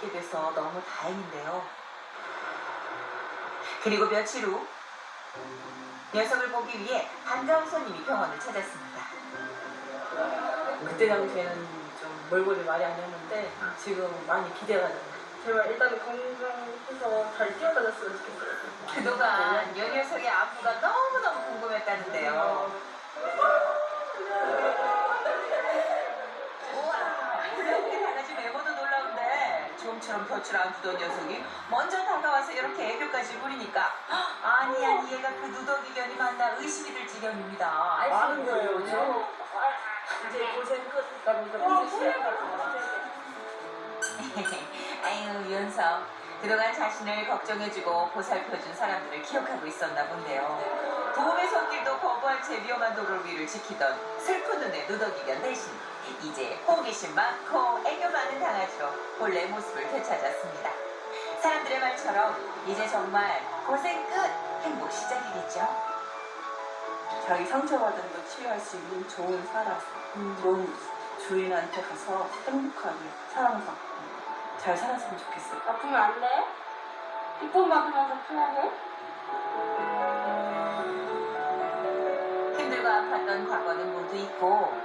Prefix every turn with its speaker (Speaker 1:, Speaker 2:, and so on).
Speaker 1: 있게 돼서 너무 다행인데요. 그리고 며칠 후 녀석을 보기 위해 반가운 손님이 병원을 찾았습니다.
Speaker 2: 그때 당시에는 좀 몰골이 말이 아니었는데 지금 많이 기대가 돼요. 제발 일단 건강해서 잘 뛰어다녔으면 좋겠어요.
Speaker 1: 그동안 이 녀석의 안부가 너무너무 궁금했다는데요. 우와, 이렇게 달라진 외모도 놀라운데 좀처럼 볕을 안 부던 녀석이 먼저 다가와서 이렇게 애교까지 부리니까 아니 얘가 그 누더기견이 맞나 의심이 들 지경입니다.
Speaker 2: 많은 거예요. 이제 고생 끝. 나 먼저 시작하고.
Speaker 1: 아유 윤석, 그동안 자신을 걱정해주고 보살펴준 사람들을 기억하고 있었나 본데요. 도움의 손길도 거부한 채 위험한 도로 위를 지키던 슬픈 눈의 누더기견 대신 이제 호기심 많고 애교 많은 강아지로 본래 모습을 되찾았습니다. 사람들의 말처럼 이제 정말 고생 끝, 행복 시작이겠죠.
Speaker 3: 자기 상처받은 거 치유할 수 있는 좋은 사람, 좋은 주인한테 가서 행복하게 사랑받고 잘 살았으면 좋겠어요.
Speaker 4: 아프면 안 돼? 이쁨 받으면서 편하게?
Speaker 1: 힘들고 아팠던 과거는 모두 잊고